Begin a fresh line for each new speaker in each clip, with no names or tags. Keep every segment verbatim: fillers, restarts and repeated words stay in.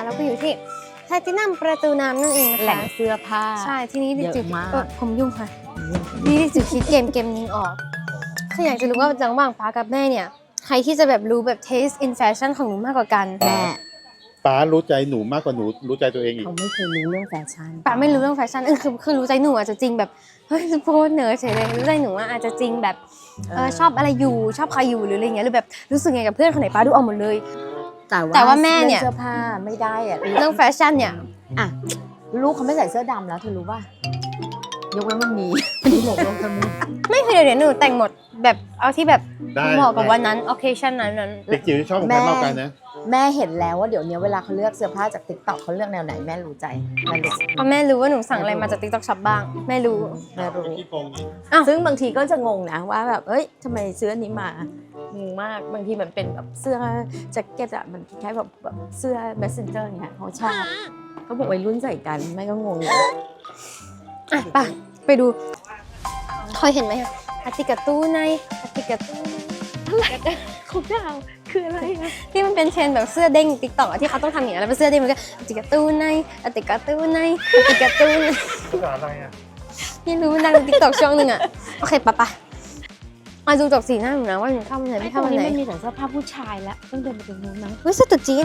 เราก็อยู่ที่แพลตินัมประตูน้ำนั่นเองนะคะ
แหล่งเสื้อผ้า
ใช่ที่นี้ดิจิ
เยอะมาก
ผมยุ่งค่ะนี่ดิจิคิดเกมเกมนึงออกคืออยากจะรู้ว่าระหว่างป้ากับแม่เนี่ยใครที่จะแบบรู้แบบ taste in fashion ของหนูมากกว่ากัน
แม่
ป้ารู้ใจหนูมากกว่าหนูรู้ใจตัวเองอีก
เขาไม่เคยรู้เรื่องแฟชั่น
ป้าไม่รู้เรื่องแฟชั่นเออคือคือรู้ใจหนูอาจจะจริงแบบเฮ้ยโพสเนอเฉยเลยรู้ใจหนูว่าอาจจะจริงแบบเออชอบอะไรอยู่ชอบใครอยู่หรืออะไรเงี้ยหรือแบบรู้สึกไงกับเพื่อนคนไหนป้าดูออกหมดเลย
แต่ว่า
แต่ว่าแม่เนี่ย
เสื้อผ้าไม่ได้อะ
เรื่องแฟชั่นเนี่ย
อ่ะลูกเขาไม่ใส่เสื้อดำแล้วเธอรู้ป่ะยกเว้นวันนี้วันนี้หลงลงทำไม
ไม่คือเดี๋ยวเดี๋ยวหนูแต่งหมดแบบเอาที่แบบ
ได้
เหมาะกับวันนั้น occasion นั้นนั้น
เด็กจิ๋วที่ชอบของแม่มากกันนะ
แม่เห็นแล้วว่าเดี๋ยวนี้เวลาเขาเลือกเสื้อผ้าจากติ๊กต็อกเขาเลือกแนวไหนแม่รู้ใจแม่รู้
เพราะแม่รู้ว่าหนูสั่งอะไรมาจาก TikTok Shop บ้างแม่รู้
แม่รู้
ที่โกงนี่
อ้าว
ซึ่งบางทีก็จะงงนะว่าแบบเอ้ยทำไมซื้ออันนี้มางงมากบางทีมันเป็นแบบเสื้อแจ็คเก็ตอะมันคล้ายแบบแบบเสื้อ messenger อย่างเงี้ยเขาชอบเขาบอกวัยรุ่นใส่กันแม่ก็งงอยู่
อ่ะไปไปดูเคยเห็นไหมคะอาติกาตู้ในอาติกาตู้ใน
ของดาวคืออะไรอะ
ที่มันเป็นเทรนด์แบบเสื้อเด้งติ๊กต็อกที่เขาต้องทำอย่างนี้แล้วเป็นเสื้อเด้งมันก็อาติกาตู้ในอาติกาตู้ในอาติกาตู้ใน
ภาษาอะไรอ่ะ
ไม่รู้มันดังติ๊กต็อกช่วงหนึ่งอะโอเคปะปะมาดูจากสีหน้าหนูนะว่าหนูเข้าวันไหน
ไอ้
ไม่
ตร
เข้าง วัน
นี้
ไหน
มันมีแต่เสื้อผ้าผู้ชายแล้วต้องเดินไปตรงนู้นมั้ง
เฮ้ยเสื้อตุ๊ดจีน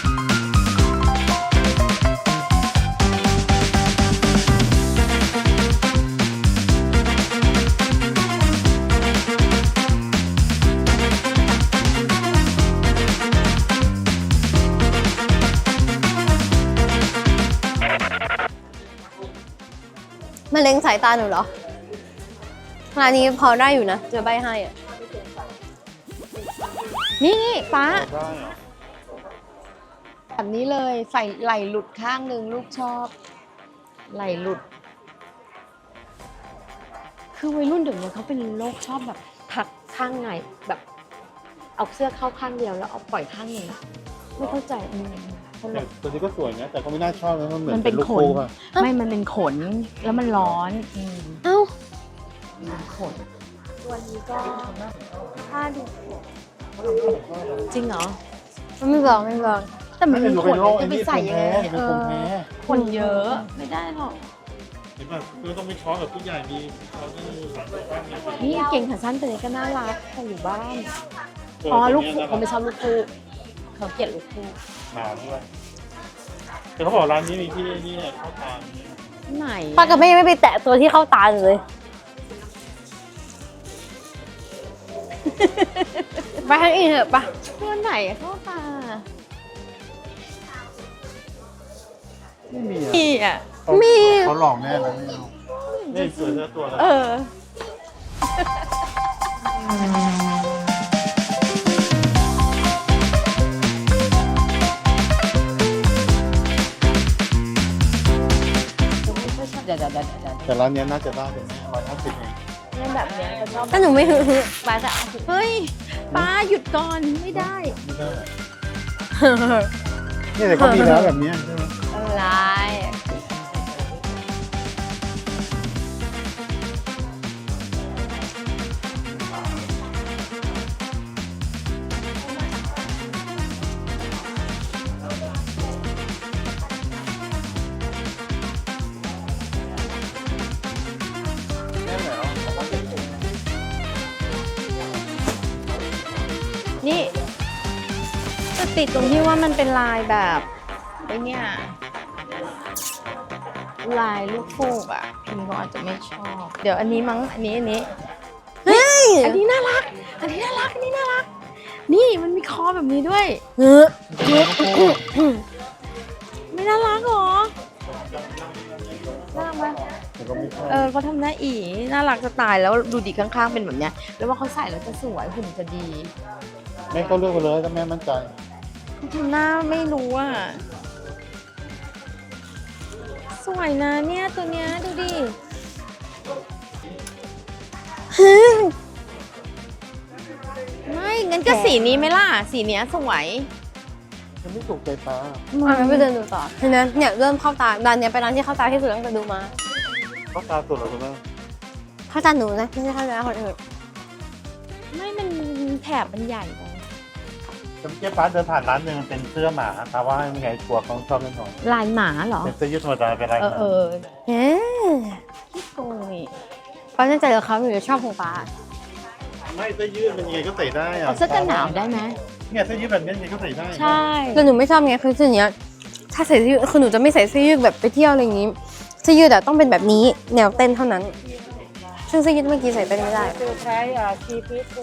มันเล็งสายตาหนูเหรอร้านนี้พอได้อยู่นะเจอใบให้อะ
นี่นี่ป้า
ได้เหรอ
แบบนี้เลยใส่ไหล่หลุดข้างหนึ่งลูกชอบไหล่หลุด คือวัยรุ่นเดี๋ยวนี้เขาเป็นโรคชอบแบบถักข้างในแบบ เอาเสื้อเข้าข้างเดียวแล้วเอาปล่อยข้างหนึ่งไม่เข้าใจอืมตล
แต่
ก
ตัวนี้ก็สวยนะแต่ก็ไม่น่าชอบนะมันเหมือน
มันเป็น
ลูก
ขน
ปูป่ะ
ไม่มันเป็นขนแล้วมันร้อนอืม
เอ้า
เป็นขนตัวนี้ก็ผ้าดูจริงเหรอ
มันไม่บอกไม่บอก
แต่มันเป็นขน
โรค
จะไปใส่ยังไง
เป็น
เอ
คน
อ
แพ้
ขนเยอะไม่ได้หรอก
เห็นป่ะคือต้องไปช้อนกับผู้ใหญ่มีเขาที่
นี่เก่งขาสั้นตัวนี้ก็น่ารักแต่อยู่บ้าน อ๋อลูกคู่เขาไม่ชอบลูกคู่เขาเกลียดลูกคู่
หนาด้วยแต่เขาบอกร้านนี้มีที่นี่เข้าทาง
ไหน
ป้ากับแม่ยังไม่ไปแตะตัวที่เข้าตาเลย ไปทางอื่นเถอะปะ
ตัวไหนเข้าตา
ไม่มีอ่ะ
มีอ่ะ
มี
เขาหลอกแน่เลยไม่เอานี่สวยเท่าตัวเลย
เออ เดี๋ยวเดี๋ยวเดี๋ยวเดี๋ยว
แต่ร้านนี้น่าจะได้เป็นร้อยห้าสิบเอง
เนี่ยแบบเนี้ยเขาชอบ
ถ้าหนูไม่ฮึฮึป้าจะเอา
เฮ้ยป้าหยุดก่อนไม่ได้
ไม่ได้นี่แต่เขามีแล้วแบบนี้ใช่ไหม
อะไร
แน่แล้วเขาก็เป็นผม
นี่จะติดตรงที่ว่ามันเป็นลายแบบไอ้เนี่ยลายลูกฟูกอ่ะพิมก็อาจจะไม่ชอบ เดี๋ยวอันนี้มั้งอันนี้อันนี้
เฮ้ย
อันนี้น่ารัก อันนี้น่ารัก อันนี้น่ารัก นี่มันมีคอแบบนี้ด้วย
เฮ้ย
ไม่น่ารักหรอ น่ารักไหม
แต่ก็ไม่ชอบ
เออเขาทำหน้าอีน่ารักจะตายแล้วดูดิข้างๆเป็นแบบเนี้ย แล้วว่าเขาใส่แล้วจะสวยหุ่นจะดี
แม่ก็เลือกไปเลยถ้าแม่มั่นใจ
เขาทำหน้าไม่รู้อ่ะ สวยนะเนี่ยตัวเนี้ยดูดิ ไม่งั้นก็สีนี้ไหมล่ะ สีเนี้ยสวย
มันไม่ถูกใจป้า
อ่ะงั้นไปเดินดูต่อเห็นไหมเนี่ยเริ่มเข้าตาร้านเนี้ยเป็นร้านที่เข้าตาที่สุดตั้งแต่ดูมา
เขาตาสุดเหรอคุณแม่
เข้าตาหนูนะไม่ใช่เข้าตาคนอื่น
ไม่มันแถบมันใหญ่ไป
จำเจี๊ยบป้าเดินผ่านร้านหนึ่งมันเป็นเสื้อหมาป้าว่าไม่ไงกลัวเขาชอบเล่นหน่อย
ลายหมาเหรอ
เป็นเสื้อยืดธรรมดาเป็นลาย
เออเออ
เอ๊ะ
ขี้โกงนี่
ป้าแน่ใจเหรอเขาหนูจะชอบของป้า
ไม่เสื้อยืดมันยังไงก็ใส่ได้อะ
เอาเสื้อกันหนาวได้ไหม
เนี่ยเสื้อยืดแบบนี้ยังไงก็ใส่ได้
ใช่
แต่หนูไม่ชอบไงคือเสื้อเนี้ยถ้าใส่เสื้อยืดคือหนูจะไม่ใส่เสื้อยืดแบบไปเที่ยวอะไรอย่างงี้เสื้อยืดอะต้องเป็นแบบนี้แนวเต้นเท่านั้นซึ่งเสื้อยืดเมื่อกี้ใส่เต้นไม่ได้
คือใช้อ่าชีพิส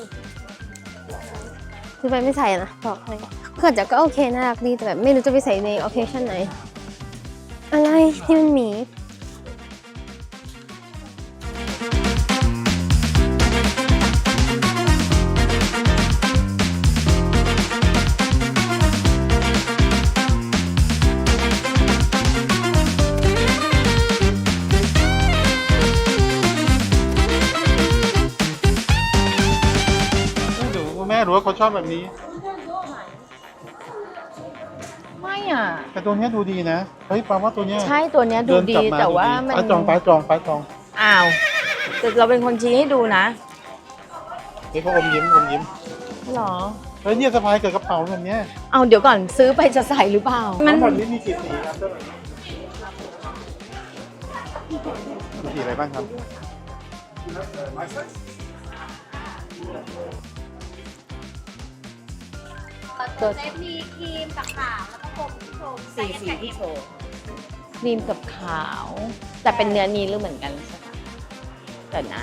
คือไปไม่ใส่นะบอกให้เพื่อนจะก็โอเคน่ารักดีแต่แบบไม่รู้จะไปใส่ในโอเคชั่นไหนอะไรที่มันหมี
ดูแม่รู้ว่าเขาชอบแบบนี้
ไม่อ่ะ
แต่ตัวเนี้ยดูดีนะเฮ้ยป้าว่าตัวเนี้ย
ใช่ตัวเนี้ยดู
เน
ดี
กลับม
แต่ว่ามัน
ป้าจองป้าจองป้าจอง
อ้าวแต่เราเป็นคนชี้ให้ดูนะ
เฮ้ยเขาอมยิ้มอมยิ้ม
หรอ
เฮ้ยเนี่ยสะพายเกิดกระเป๋าแบบเนี้ย
เอาเดี๋ยวก่อนซื้อไปจะใส่หรือเปล่า
ทั้
มัน
งหมดนี้มีกี่สีครับเสื้อแบบนี้มีสีอะไรบ้างครับ
ตัว
เซฟมีครีมกับขาวแล้วก็ผมที่โชว์
สีสีที่โชว์ครีมกับขาว แต่เป็นเนื้อนี้หรือเหมือนกันใช่ไหมแต่นะ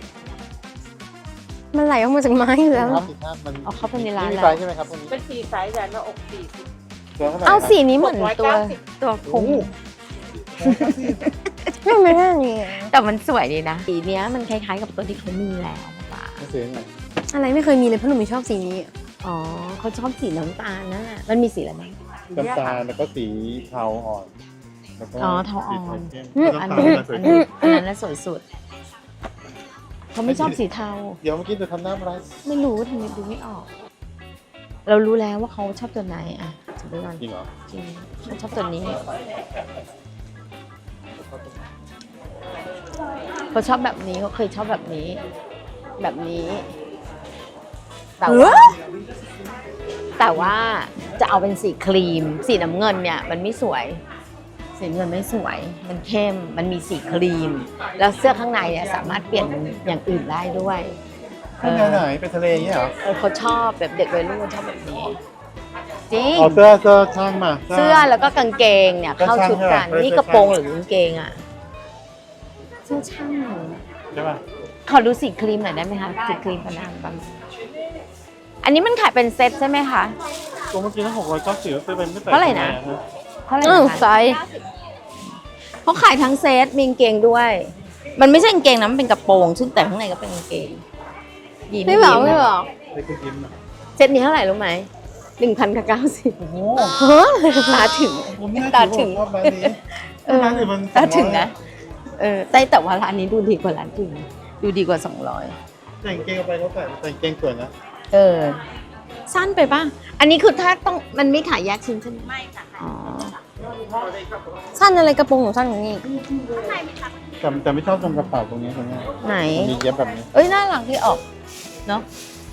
มันไหลออกมาจากไม้อยู่แล้ว
ครับสีภาพมัน
เอาเข้าไปในร้าน
มี
แล้ว
ไซส์ใช่ไหมครับตัวนี้
เป็นสีไซส์แต่หน้าอกสี่สิบ
ตัวเท่าไหร่
เอาสีนี้เหมือนตัว
หกร้อยเก้าสิบ
ตัวพุ
โอ้
ง
โห
ไม่ไม่ได้นี่
แต่มันสวยดีนะ สีเนี้ยมันคล้ายๆกับตัวที่เขามีแล้วป่ะ
ไม่ซื้อไหน
อะไรไม่เคยมีเลยเพราะหนูไม่ชอบสีนี้
อ๋อเขาชอบสีน้ำตาลนั่นแหละมันมีสีอะไรบ้าง
น้ำตาลแล้วก็สีเทาอ่อนแล้วก็
อ๋อเทาอ่อน
สี
อืม
เข้
อัน
ม
นี้
น้ำตาล
อัน
สวย
นี้อันนั้นน่ะสวยสุดเขาไม่ชอบสีเทา
ๆเดี๋ยวเมื่อกี้จะทำหน้าอะไร
ไม่รู้ทำไมดูไม่ออก เรารู้แล้วว่าเขาชอบตัวไหนอ่ะจะดูก่อน
จริงเหรอ
จริงเขาชอบตัวนี้เขาชอบแบบนี้เขาเคยชอบแบบนี้ แบบนี้ แต่ว่าแต่ว่าจะเอาเป็นสีครีม สีน้ำเงินเนี่ยมันไม่สวย สีเงินไม่สวย มันเข้ม มันมีสีครีม แล้วเสื้อข้างในเนี่ยสามารถเปลี่ยนอย่างอื่นได้ด้วย
ขึ้นแนวไหนไปทะเลอย่างเงี้ยเหรอ
เออเขาชอบแบบเด็กวัยรุ่นชอบแบบนี้ จริง
เอาเสื้อเสื้อช่างมา
เสื้อแล้วก็กางเกงเนี่ยเข้าชุดกัน
ก็ช่างใช่ไหม
นี่กระโปรงหรือกางเกงอ่ะเสื้อช่าง
ใช่ป่ะ
ขอดูสีครีมหน่อยได้ไหมคะสีครีมพนันบังอันนี้มันขายเป็นเซ็ตใช่ไหมคะ
ตัวเมื่อกี้ทั้งหกร้อยเก้าสิบซื้อไปไม่ใส่
เท่าไหร่นะ
ทำมอ
เท่าไหร่
อ้าว
นะคะ
ไซส์
เขาขายทั้งเซ็ตมีกางเกงด้วย มันไม่ใช่กางเกงนะมันเป็นกระโปรงซึ่งแต่ข้างในก็เป็นกางเกงยีน
ไม่บอก
ยีน
ไม่บอก
ได้คุณยิ้มอ่ะ
เซ็ตนี้เท่าไหร่รู้ไหมหนึ่งพันกับเก้าสิบ
โอ้โห
ตาถึง
ผมไม่น่า
ตา
ถื
ถึ
อง ว่าร้านนี้
เออ
ร้านอื่นมัน
ตาถึงนะเออแต่แต่ว่าร้านนี้ดูดีกว่าร้านอื่นดูดีกว่าสองร้อย
แต่งเกงเอาไปเขาใส่แต่งเกงสวยนะ
เออ สั้นไปป่ะ อันนี้คือถ้าต้องมันไม่ขายแยกชิ้นใช่ไหม
ไม่ค่ะ
อ๋อ
สั้นอะไรกระโปรงหนูสั้นอย่างนี้
แต่แต่ไม่ชอบตรงกระเป๋าตรงนี้ตรงนี้
ไหน
มันมีเย็บแบบนี้
เอ้ยน่ารักที่ออกเนาะ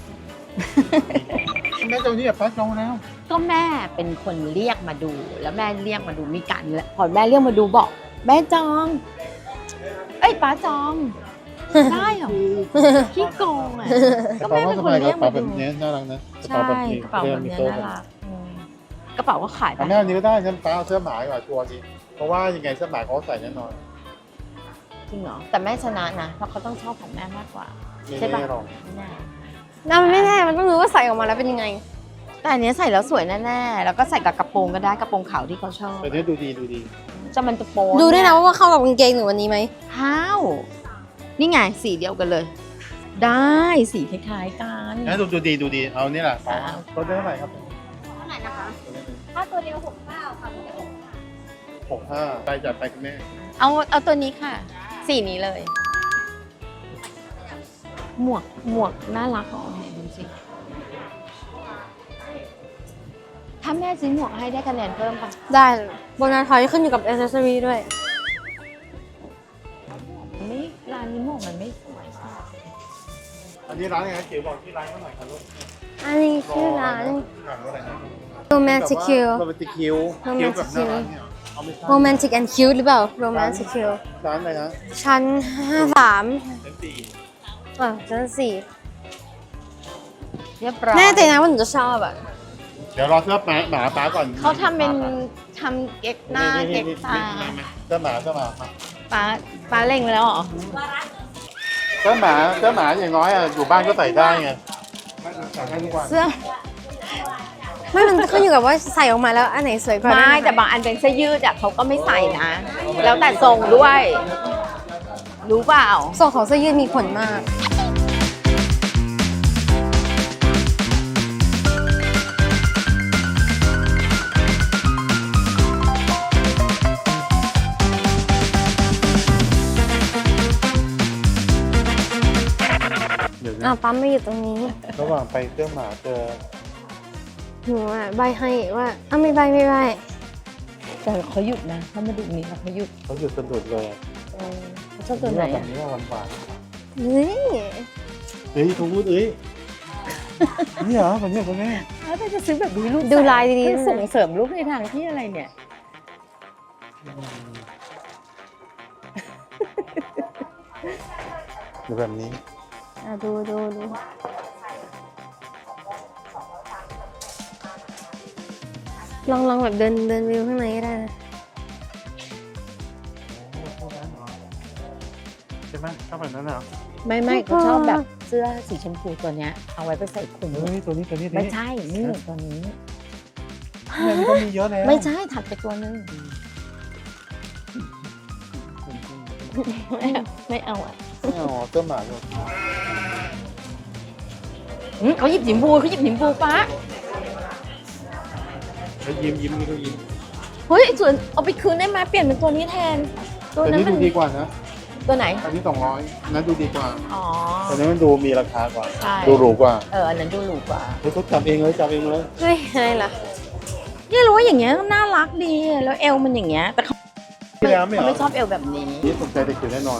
แม่เจ้านี่แบบป้าจองแล้ว
ก็แม่เป็นคนเรียกมาดู แล้วแม่เรียกมาดูมีกันแล้วพอแม่เรียกมาดูบอก แม่จอง เอ้ยป้าจอง ได้เหรอขี้โกงอ่ะ
ก
ก็
ระเป๋า
แม่
ว่า
เป็น
ส
คน
บายก
เรีย
ระ
ก
เป๋า
มา
แบบ
ดู
นี้น่ารักนะกระ
ใช่
เป๋าแบบนี้
กระเป๋าแบบ
มี
เนี้ย
โซ่
น่ารักอืมกระเป๋าก็ขาย
แต่
ได้
แม่อันนี้ก็ได้ฉันป้าเอาเสื้อหมาดีกว่าชัวร์ดีเพราะว่ายังไงเสื้อหมาเขาใส่แน่นอน
จริงเหรอแต่แม่ชนะนะเพราะเขาต้องชอบของแม่มากกว่า
ไม่
ใช่ปะ
แน่หรอก
ไม่แน่
น่ามันไม่แน่มันต้องรู้ว่าใส่ออกมาแล้วเป็นยังไง
แต่อันเนี้ยใส่แล้วสวยแน่ๆแล้วก็ใส่กับกระโปรงก็ได้กระโปรงขาวที่เขาชอบ
แต่เนี้ยดูดีดูดี
จะมันจะโปน
ดูด้วยนะว่าเข้ากับกางเกงหนูวันนี้ไหม
ห้าวนี่ไงสีเดียวกันเลย ได้สีคล้ายๆกัน
งั้นดูดูดีดูดีเอานี่แหละ
อ่า
ตัวเท่าไหร่ครับ
เท่าไหร่นะคะ ถ้าตัวเดียวหกเก้าค่ะตัวเดียวหกห้า
หกห้าไปจัดไปคุณแม่
เอาเอาตัวนี้ค่ะ สีนี้เลย หมวกหมวกน่ารักอ๋อเนี่ยดูสิถ้าแม่ซื้อหมวกให้ได้คะแนนเพิ่มปะ
ได้โบนัสทอยขึ้นอยู่กับอ c เซสซอรี่ด้วย
ไม่ร้านนี้หมวกมันไม่สวย
อันนี้ร้านอะไรนะเขียวบอกที่ร้านเท่าไหร่ครับลูก
อันนี้ชื่อร้าน
หนังว่าอะไรนะ
romantic cute
โรแมนติกคิวคิวแบบน่ารักเนี่ยเอาไม่ใช่
romantic and cute หรือเปล่า romantic cute
ร้านอะไรนะ
ชั้นห้าสาม
ชั้นสี่
อ่ะชั้นสี่
เรียบร้อย
แน่ใจนะว่าหนูจะชอบอ่ะ
เดี๋ยวรอเสื้อหมาหมาป้าก่อน
เขาทำเป็นทำเก๊กหน้าเก๊กตา
เสื้อหมาเสื้อหมา
ป้าป้าเล็งไว้แล้วเหรอ
เสื้อหมาเสื้อหมาอย่างน้อยอ่ะอยู่บ้านก็ใส่ได้ไงใส่ได้ทุกวัน
เสื้อ
ไม่มันขึ้นอยู่กับว่าใส่ออกมาแล้วอันไหนสวยกว่า
ไม่
ด้วยนะคะ
แต่บางอันเป็นเสื้อยืดอะเขาก็ไม่ใส่นะ แล้วแต่ทรงด้วย รู้เปล่า
ทรงของเสื้อยืดมีผลมาก
เดี๋ยว
อ่ะ
นะ
ปั๊มไม่อยู่ตรงนี้
ระหว่างไปเสื้อหมาเจอ
หนูอ่ะใบให้ว่าอ้าวไม่ใบไม่ใบ
แต่เขาหยุดนะเขามาดูนี้เขาหยุด
เขาหยุดสะดุดเลย
เขาชอบตัวไหน
แบ
อะ
บนี้ว่าหวานหวาน
เฮ้ย
เฮ้ยเขาพูดเอ้ยนี่เหรอแบบนี้คนนี้
แล้วจะซื้อแบบนี้ลูก
ดูลายดี
เพื่อ
ๆ
ส่งเสริมลูกในทางที่อะไรเนี่ย
หรือแบบนี้
อ่ะดูดูดูลองลองแบบเดินเดินวิวข้างในก็ได้นะ
ใช่ไหมชอบแบบนั้นเหรอ
ไม่ไม่เขาชอบแบบเสื้อสีชมพูตัวเนี้ยเอาไว้ไปใส่คลุม
เฮ้ยตัวนี้ตัวนี้ตัว
ไม่
นี้
ใช่นี่ตัวนี้
เนี่ยมันก็มีเยอะแล้ว
ไม่ใช่ถัดไปตัวนึงไม่เอาอ่ะ
ไม่เอาเสื้อหมาเลย
อืมเขาหยิบหยิมพูเขาหยิบหยิมพูป้า
แล้วยิ้มยิ้มนี่ก็ยิ้ม
เฮ้ยส่วนเอาไปคืนได้ไหมเปลี่ยนเป็นตัวนี้แทน ตัว
แต่
นั้น
นี่
มั
ดู
น
ดีกว่านะ
ตัวไหน
อันนี้สองร้อยนั้นดูดีกว่า
อ๋อ
แต่นี้มันดูมีราคากว่า
ใช่
ดูหรูกว่า
เอออันนั้นดูหรูกว่า
เฮ้ยเขาจับเองเลยจับเองเลย
เฮ้ยอะไรล่ะ
เนี่ยรู้ว่าอย่างเงี้ยน่ารักดีแล้วเอวมันอย่างเงี้ยแต่เขา
พี่แล้วไม่เหร
เขา
อ
ไม่ชอบเอวแบบนี้
นี่สนใจเด็กอยู่แน่นอน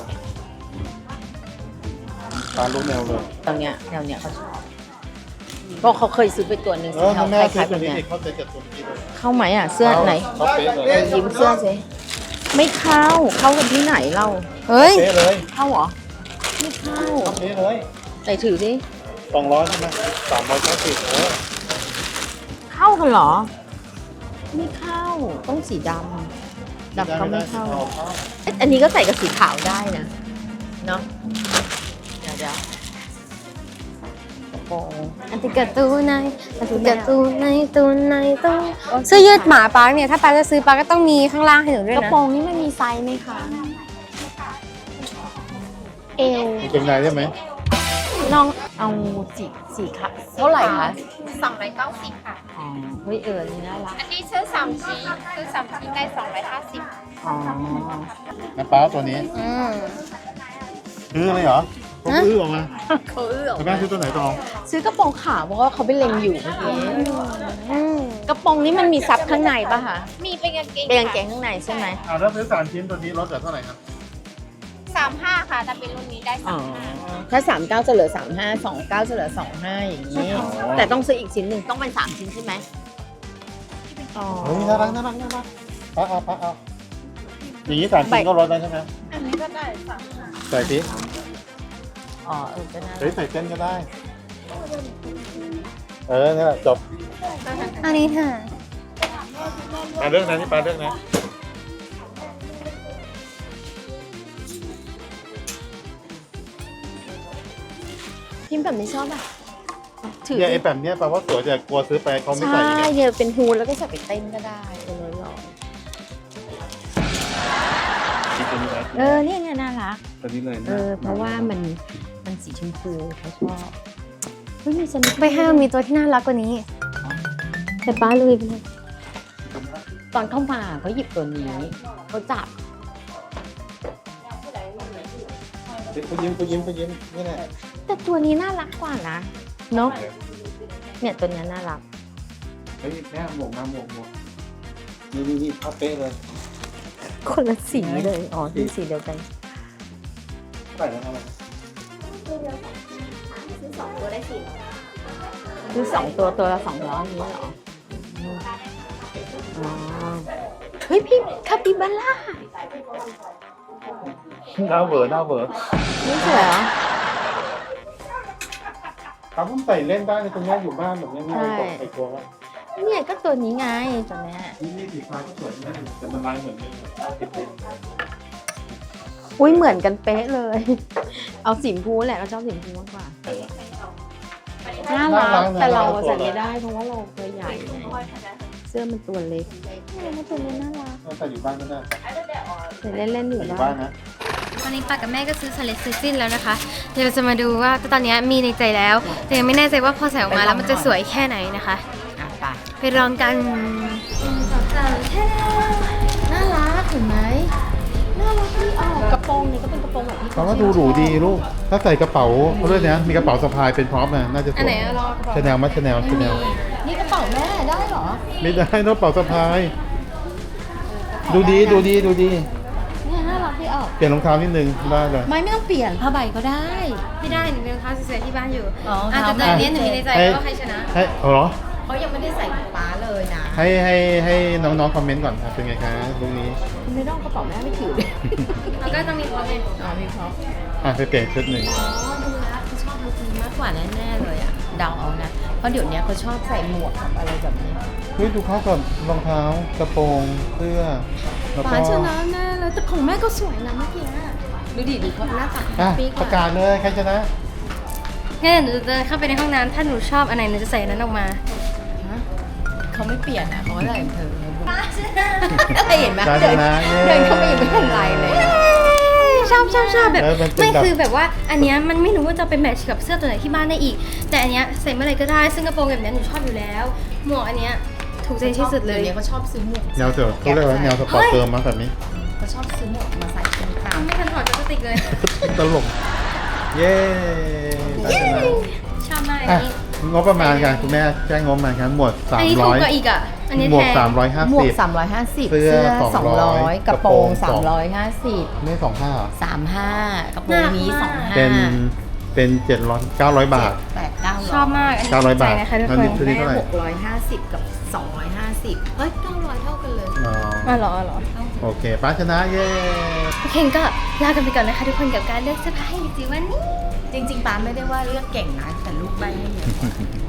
ตามรูปแนวเลย
ตอนเนี้ยแนวเนี้ยเขาชอบเพราะเขาเคยซื้อไปตัวหนึ่ง
เอ
สี
อ
เทา
แม่
ค
ซื้
ล้า
อย
ๆ
ตั
แบ
ว
บ
นี้
เนี้ย
เด็กเข้าใจจัดตัวนี้เลย
เข้าไหมอ่ะเสื้อไหน
เขาเป๊ะเลย
ยิ้มเสื้อสิไม่เข้าเข้ากันที่ไหนเรา
เฮ้ย
เป๊ะเลย
เข้าเหรอไม่เข้า
เขาเป๊ะเลย
ไหนถือสิ
สองร้อยใช่ไหมสามร้อยเก้าสิบเออ
เข้ากันเหรอ ไม่เข้าต้องสีดำดำก็ไม่เข้าเอ๊ะอันนี้ก็ใส่กับสีขาวได้นะเนาะเดี๋ยวเดี๋ยวกระโปรง
อันติกาตูในอันติกาตูในตูในตูเสื้อยืดหมาปาร์คเนี่ยถ้าปาร์คจะซื้อปาร์คก็ต้องมีข้างล่างให้หนูด้วย
กระ
นะ
โปรงนี่ไม่มีไซส์ไหมคะเอว
มีเกงในได้ไหม
น้องเอาสีสีขาวเท่าไหร่คะ
สองร้อยเก้าสิบค่ะ
อ๋อเฮ้ยเออนี่น่ารัก
อันนี้ซื้อสามชิ้นซื้อสามชิ้นได้สองร้อยห้าสิบ
อ๋อ
น้ำปลาตัวนี้
อืม
ซื้ออะไรเหรอเขาอื้อออกมา
เขาเอื้อออก
แต่แม่
มา
ซื้อตัวไหนตอง
ซื้อกระโปรงขาวเพราะว่าเขาไปเล็งอยู่เมื่อกี้
อืม
กระโปรงนี้มันมีซับข้างในป่ะคะ
มีเป็นกางเกง
เป็นกางเกงข้างในใช่ไหม
อ่าแล้วซื้อสามชิ้นตัวนี้ลดเหลือเท่าไหร่ครับ
สามห้าค่ะแต่เป็นรุ่นนี้ได้
อ๋
สา
อ
มห้า
ถ้าสามเก้าจะเหลือสามห้าสองเก้าจะเหลือสองห้าอย่างนี้ แต่ต้องซื้ออีกชิ้นหนึ่งต้องเป็นสามชิ้นใช่ไหมอ๋อ
เฮ้ยน่ารักน่ารักน่ารักป้าเอาป้าเอาอย่างนี้สามชิ้นก็ลดได้ใช่ไหม
อันนี้ก็ได้สาม
ใส่สิ
อ๋อเออก็น่า
เฮ้ยใส่เส้นก็ได้ เออนี่นแหละจบ
อันนี้ค่ะ
ปลาเรื่องนะนี่ปลาเรื่องนะ
พิมพ์แบบนี้ชอบอ่ะถือ
เนี่ยไอ้แบบเนี้ยแปลว่าสวยแต่กลัวซื้อไปเขาไม่ใส่
ใช่
อีกอะ
เนี่ยเป็นฮูดแล้วก็ใส่ไปเต้นก็ได้ตัวนี้หรอ
คิดตัวนี้ไว้
เออเนี่ยเนี่ยน่ารัก
ตัวนี้เลย
เออเพราะว่ามันมันสีชมพูเขาชอบเฮ้ยมีสนิท
ไปห้างมีตัวที่น่ารักกว่านี้ แต่ป้าลุยไปเลย
ตอนเข้ามาเขาหยิบตัวนี้เขาจับ
เขายิ้มเขายิ้มเขายิ้มนี่แหละ
แต่ตัวนี้น่ารักกว่านะเนาะเนี่ยตัวเนี้ยน่ารัก
เฮ้ยแม่หมวกมาหมวกหมวกนี่นี่นี่ภาพเป๊ะเลย
คนละสีเลยอ๋อเป็นสีเดียวกัน
ใส่แล้วอะไร
ซื้อสองตัวได้สี่
คือสองตัวตัวละสองร้อยนี้เหรออ๋อเฮ้ยพี่คาปิบาร่า
หน้าเวอร์หน้าเวอร์
ไม่สวยเหรอ
เขาเพิ่งใส่เล่นได้ในตรงนี้อยู่บ้านแบบนี้ไม่ตกใส่ตัวว่า
เนี่ยก็ตัวนี้ไงตัวเนี้ย
นี่นี่สีฟ้าก็สวยนะแต่มันลายเหมือนกัน
อุ้ยเหมือนกันเป๊ะเลย เอาสีชมพูแหละเราชอบสีชมพูมากกว่าน่ารักแต่เราใส่ไม่ได้เพราะว่าเราตัวใหญ่ไงเสื้อมันตัวเล็กเนี่ยมันตัวนี้น่ารัก
ใส่อยู่บ้านก็ได้
ใส่เล่นๆอยู่
ใส่อยู่
ได้
บ้านนะ
ตอนนี้ป้ากับแม่ก็ซื้อสเลดซื้อสิ้นแล้วนะคะเดี๋ยวเราจะมาดูว่าตอนนี้มีในใจแล้ว แต่ยังไม่แน่ใจว่าพอใส่ออกมาแล้วมันจะสวยแค่ไหนนะคะ
อ่ะไป
ไปลองกันสองสามแค่น่ารักเห็นไหม
น่ารักที่ออกกระโปรงนี่ก็เป็นกระโปรงแบบที่
เขาก็ดูหรูดีลูก ถ้าใส่กระเป๋าเขาด้วยนะมีกระเป๋าสะพายเป็นพร็อพนะน่าจะส
อัน
ว
ไหน
ย
อะลองกระเป๋า
ชาแนลมัชาแนลชาแนล
นี่กระเป๋าแม่ได้เหรอ
ไม่ได้ต้องกระเป๋าสะพาย ดูดีดูดีดูดี
เนี่ยน่ารักที่ออก
เปลี่ยนรองเท้านิดนึงได้เลย
ไม่ไม่ต้องเปลี่ยนผ้าใบก็ได้
ไม่ได้หนูมีรองเท้าสวยๆที่บ้านอยู่
อ๋อ
อ่ะแต่ตอนนี้หนูมีในใจว่าใครชนะ
ให้เอาเหรอ
เขายังไม่ได้ใส่ฟ้าเลยนะ
ให้ให้ให้น้องๆคอมเมนต์ก่อนครับเป็นไงคะตรงนี้
ไม่ต้องกระเป๋าแม่ไม่ถือเลย
แล้วก็ต้องมีพร้อมไง
อ๋อมีเขา
อ่ะไปเปลี่ยนชุดหนึ่ง
อ๋อดูแล้วเขาชอบลุคนี้มากกว่าแน่ๆเลยอ่ะเดาเอานะเพราะเดี๋ยวนี้เขาชอบใส่หมวกกับอะไรแบบนี้
เฮ้ยดูเข้ากับรองเท้ากระโปรงเสื้อแล้วก็
ฟ้าชนะแน่เลยแต่ของแม่ก็สวยนะเมื่อกี้ดูดิดูเขาหน้าตา
อ่ะ
ปีก
ประกาศเลยใครชนะ
งั้นเดี๋ยวหนูจะเดินเข้าไปในห้องน้ำถ้าหนูชอบอันไหนหนูจะใส่อันนั้นออกมา
เขาไม่เปลี่ยนอ่ะเขาก็ใส่เธอ
ป้าชนะ
อะไรเห็นไหม
ฟ้าช
เดิน
นะเย้
เดินเข้าไปยังไม่ทันไรเลย
ชอบชอบชอบแบบ
เออมันเป็น
ไม่
แบบ
คือแบบว่าอันเนี้ยมันไม่รู้ว่าจะเป็นแมทช์กับเสื้อตัวไหนที่บ้านได้อีก แต่อันเนี้ยใส่เมื่อไหร่ก็ได้ซึ่งกระโปรงแบบเนี้ยหนูชอบอยู่แล้ว หมวกอันเนี้ยถูกใจที่สุดเลย
ดี๋วนี้เขาชอบซื้อหมวก
แนวเสือเขาเรียกว่าแนวสปอร์ตเติมมาแบบนี้
เขาชอบซื้อหมวกมาใส่เป็นตาม
ไม่ทันถอดพลาสติกเลย
ตลก เย้ฟ้าชนะ
ชอบมากอัน
อ่ะ
นี้
งบประมาณกันคุณแม่แจ้งงบประมาณกันหมวดสา
อัน
ม
นี้ถู
ร้
ก
อย
กว่าอีกอ่ะอันนี้
หมวก
แพง
สามร้อยห้า
หมว
สิ
ก
บ
สามร้อยห้าสิบ
เสื้อ
สอง
สองร้
ร้
อ
อย ยกระโปรง
กระโปรง
สามร้อยห้าสิบ
ไม่สองห้าเหรอ
สามห้ากระโปรงนี้สองห้า
เป็นเป็นเจ็ดร้อยเก้าร้อยบาท
แปดเก้า
ชอบมากอันนี้
เก้าร้อยบาท
ใจนะคะทุก
อัน
ค
นี้
น
ชุดนี้เท่าไหร่
หกร้อยห้าสิบกับสองร้อยห้าสิบเฮ้ยเก้าร้อยเท่ากันเลย
อ๋อ
อ๋อเหรออ๋อเหรอ
โอเคป้าชนะเย้
โอเคก็ลากันไปก่อนนะคะทุกคนกับการเลือกเสื้อผ้าให้จิ๋ววันนี้
จริงๆป้าไม่ได้ว่าเลือกเก่งนะแต่ลูกใบให้เยอะ